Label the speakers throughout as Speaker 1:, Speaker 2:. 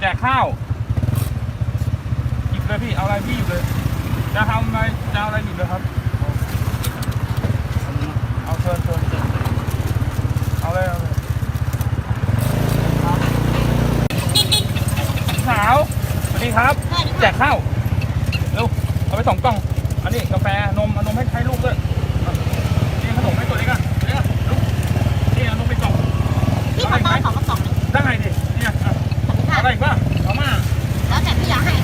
Speaker 1: กข้าวหยิบเลยพี่เอาอะไรพี่หยิบเลยจะทำอะไรจะเอาอะไรหยิบเลยครับเอาเชิญเอาเลยสาวสวัสดีครับแจกข้าวเร็วเอาไป2 กล่องอันนี้กาแฟนมเอานมให้ลูกด้วยนี่ขนมให้ตัวเล็กอ่ะลูกนี่เอานมไปกล่อง
Speaker 2: พี่ขอต้อน2 กระป๋อง
Speaker 1: ได้ดิเนี่ยอะไรอีกบ้างเอามา
Speaker 2: แล้วแต่พี่อยากให้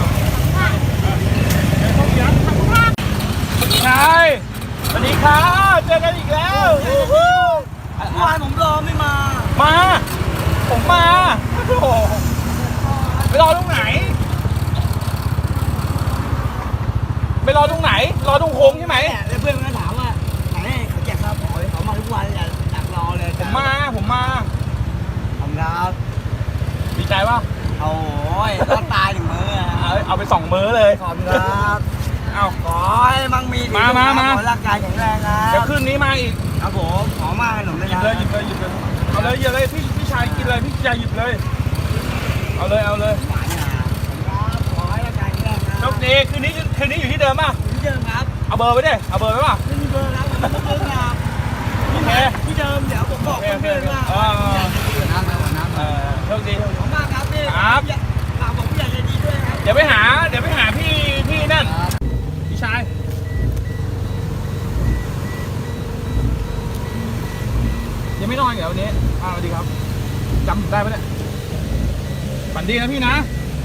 Speaker 1: ใช่สวัสดีครับเจอกันอีกแล้วเมื่อวานผมรอไม่มาผมมาโอ้โหไปรอตรงไหนรอตรงโค้งใช่ไหม
Speaker 3: เพื่อนก็ถามว่าไหนเขาแจกข้าวเขามาทุกวันอยากรอเลย
Speaker 1: ผมมา
Speaker 3: ขอบคุณครับ
Speaker 1: ดีใจป่ะ
Speaker 3: โอ้ยต้องตาย1 มื้อ
Speaker 1: เอาไป2 มื้อเลย
Speaker 3: ขอบคุณครับ
Speaker 1: เอา
Speaker 3: ขอให้มั่งมี
Speaker 1: มา
Speaker 3: ร่างกายแข็งแรงนะ
Speaker 1: เดี๋ยวคืนนี้มาอีก
Speaker 3: ครับผมขอมากขนมเลยนะ
Speaker 1: หยิบเลยเอาเลยพี่ชายกินเลยพี่ชายหยิบเลยเอาเลย
Speaker 3: ขอให้ร่างกายแข็งแรงนะ
Speaker 1: โชคดีคืนนี้อยู่ที่เดิมป่ะ
Speaker 3: ที่เดิมครับ
Speaker 1: เอาเบอร์ไปดิเอาเบอร์ไปป่ะ
Speaker 3: ไม่มีเบอร์แล้วไม่มีเบอร์ครับ
Speaker 1: โอเค
Speaker 3: ที่เดิมเดี๋ยวผมบอกเพื่อนว่า
Speaker 1: โชคดี
Speaker 3: ขอบคุณมากครับพี่
Speaker 1: ครับ
Speaker 3: ฝากบอกผู้ใหญ่ใจดีด้วยครับ
Speaker 1: เดี๋ยวไปหาพี่นั่นพี่ชายยังไม่นอนเหรอวันนี้สวัสดีครับจำได้ปะเนี่ยฝันดีนะพี่นะ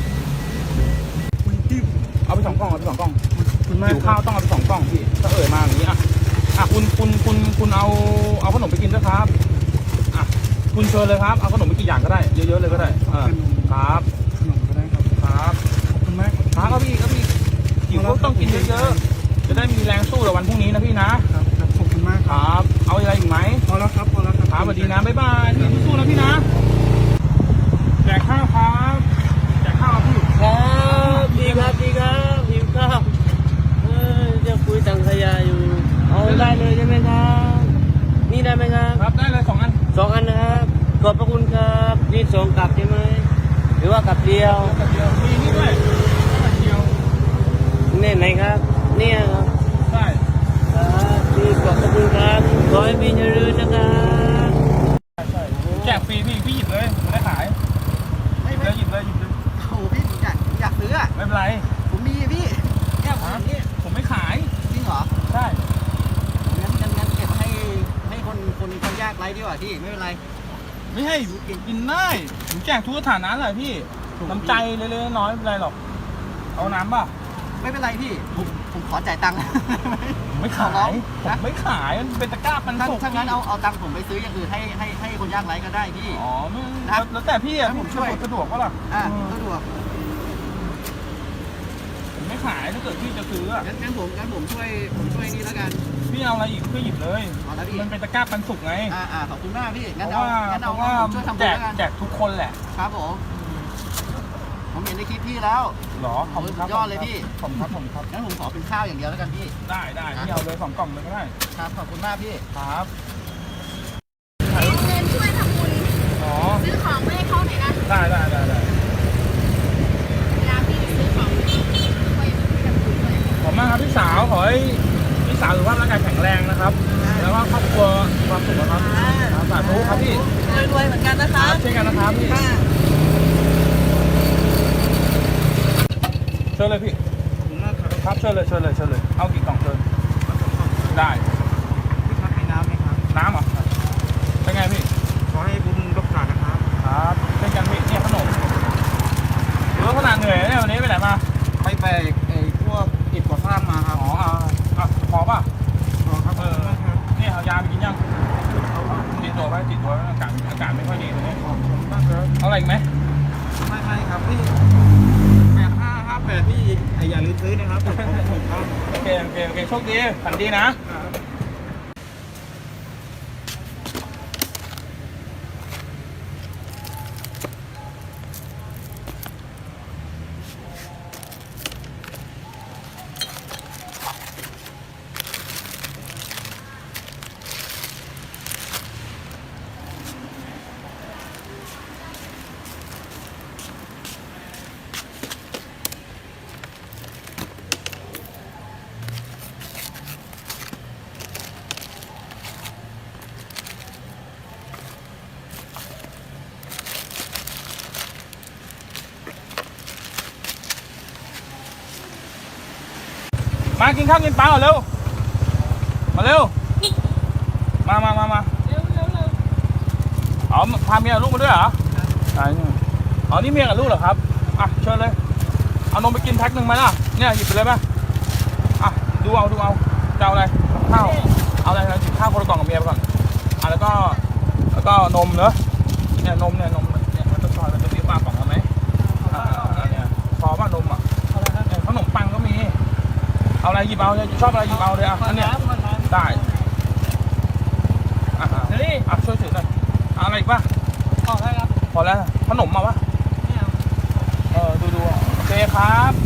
Speaker 1: เอาไป2 กล่อง
Speaker 3: คุณมาก
Speaker 1: หิวข้าวต้องเอาไป2 กล่องพี่ถ้ามาอย่างนี้คุณเอาขนมไปกินด้วยครับคุณเชิญเลยครับเอาขนมไปกี่อย่างก็ได้เยอะๆเลยก็ได้ครับ
Speaker 3: ขนมก็ได้
Speaker 1: ครับ
Speaker 3: ขอบคุณมาก
Speaker 1: ครับพี่หิวก็ต้องกินเยอะๆจะได้มีแรงสู้ในวันพรุ่งนี้นะพี่นะครับ
Speaker 3: ขอบคุณมาก
Speaker 1: ครับเอาอะไรอีกไหม
Speaker 3: พอแล้วครับ
Speaker 1: ครับสวัสดีนะบ๊ายบายพี่สู้นะพี่นะแจกข้าวครับแจกข้าวพี่
Speaker 3: ครับดีครับหิวข้าวจะคุยสังขยาอยู่เอาได้เลยใช่ไหมครับนี่ได้ไหมครับ
Speaker 1: ครับได้เลย2 อัน
Speaker 3: นะครับขอบพระคุณครับนี่2 กลับใช่ไหมหรือว่ากลับเดียว
Speaker 1: มีนี่ด้วยเดียว
Speaker 3: นี่ไหนครับเนี่ยครับ
Speaker 1: ใช่
Speaker 3: พี่ขอบพระคุณครับขอให้พี่เจริญนะครับ
Speaker 1: แจกฟรีพี่หยิบเลยไม่ได้ขายหยิบเลย
Speaker 3: โอ้พี่อยากซื้อ
Speaker 1: ไม่เป็นไร
Speaker 3: ผมมีพี่แค่
Speaker 1: ผมไม่ขาย
Speaker 3: จริงเหรอ
Speaker 1: ใช่
Speaker 3: งั้นเก็บให้คนยากไร้ดีกว่าพี่ไม่เป็นไร
Speaker 1: ไม่ให้กินได้ผมแจกทุกสถานะเลยพี่น้ำใจเล็กๆน้อยๆไม่เป็นไรหรอกเอาน้ำป่ะ
Speaker 3: ไม่เป็นไรพี่ผมขอจ่ายตังค์
Speaker 1: ไม่ขายมันเป็นตะกร้าปันสุก
Speaker 3: ถ้างั้นเอาตังค์ผมไปซื้ออย่างอื่นให้คนยากไร้ก็ได้พี่
Speaker 1: อ๋อแล้วแต่พี่ผมช่วยสะดวกก็ล่ะ
Speaker 3: สะดวก
Speaker 1: ผมไม่ขายถ้าเกิดพี่จะซื้อ
Speaker 3: งั้นผมช่วยนี่แล้วกัน
Speaker 1: พี่เอาอะไรอีกพี่หยิบเลยมันเป็นตะกร้าปันสุกไง
Speaker 3: ขอบคุณมากพี่งั้น
Speaker 1: เอา
Speaker 3: ช่วยทำ
Speaker 1: แจกทุกคนแหละ
Speaker 3: ครับผมเห็นในคลิปพี่แล้ว
Speaker 1: หรอขอบคุณครับ
Speaker 3: ยอดเลยพี่
Speaker 1: ผมครับ
Speaker 3: งั้นผมขอเป็นข้าวอย่างเดียวแล้วกันพี่
Speaker 1: ได้พี่เอาเลย2 กล่องเลยก็ได้
Speaker 3: ครับขอบคุณมากพี่
Speaker 1: ครับ
Speaker 2: เอาเงินช่วยทำบุญซื้อของไม่ให้เขาหน่อยนะ
Speaker 1: ได้
Speaker 2: เวลาพี่ซื้อของช่วยทำบุญด้วย
Speaker 1: ขอบมากครับพี่สาวขอให้พี่สาวสุขภาพร่างกายแข็งแรงนะครับแล้วก็ครอบครัวความสุขนะครับสาธุครับพี่
Speaker 3: รวยเหมือนกันนะครับ
Speaker 1: เช่นกันนะครับพี่เชิญเลยพี่ครับเชิญเลยเอากี่ กล่องเชิญได้
Speaker 3: พี่ครับมีน้ำไหมครับ
Speaker 1: น้ำเหรอเป็นไงพี่
Speaker 3: ขอให้บุญรักษานะครับ
Speaker 1: ครับเป็นกันพี่เนี่ยขนมขนาดเหนื่อยเนี่ยวันนี้ไปไหนมา
Speaker 3: ไปพวกอิฐก่อสร้างมาครับ
Speaker 1: พอป่ะ
Speaker 3: พอครับ
Speaker 1: นี่เอายาไปกินยังติดตัวอากาศไม่ค่อยดีตรงนี้เอาอะไรอีกไหม
Speaker 3: ไม่ครับพี่8558พี่อย่าลืมซื้อนะครับ
Speaker 1: โอเคโชคดีฝันดีนะมากินข้าวกินปลาก่อนเร็วมาเร็วมาอ๋อพาเมียกับลูกมาด้วยเหรอใช่อ๋อนี่เมียกับลูกเหรอครับอ่ะเชิญเลยเอานมไปกินแพ็คหนึ่งไหมล่ะเนี่ยหยิบไปเลยไหมอ่ะดูเอาจะเอาอะไรข้าวเอาอะไรหยิบข้าวคนละกล่องกับเมียไปก่อนอ่ะแล้วก็นมเนอะเนี่ยนมเนี่ยมันจะซอยมันจะมีปลากล่องไหมเนี่ยพอป่ะนมอ่ะขนมปังก็มีเอาอะไรหยิบเอาเลยชอบอะไรหยิบเอาเลยอ่ะอันเนี้ยได้อ่ะช่วยถือหน่อยอะไรอีกป่ะพอแล้วขนมมาป่ะดูโอเคครับ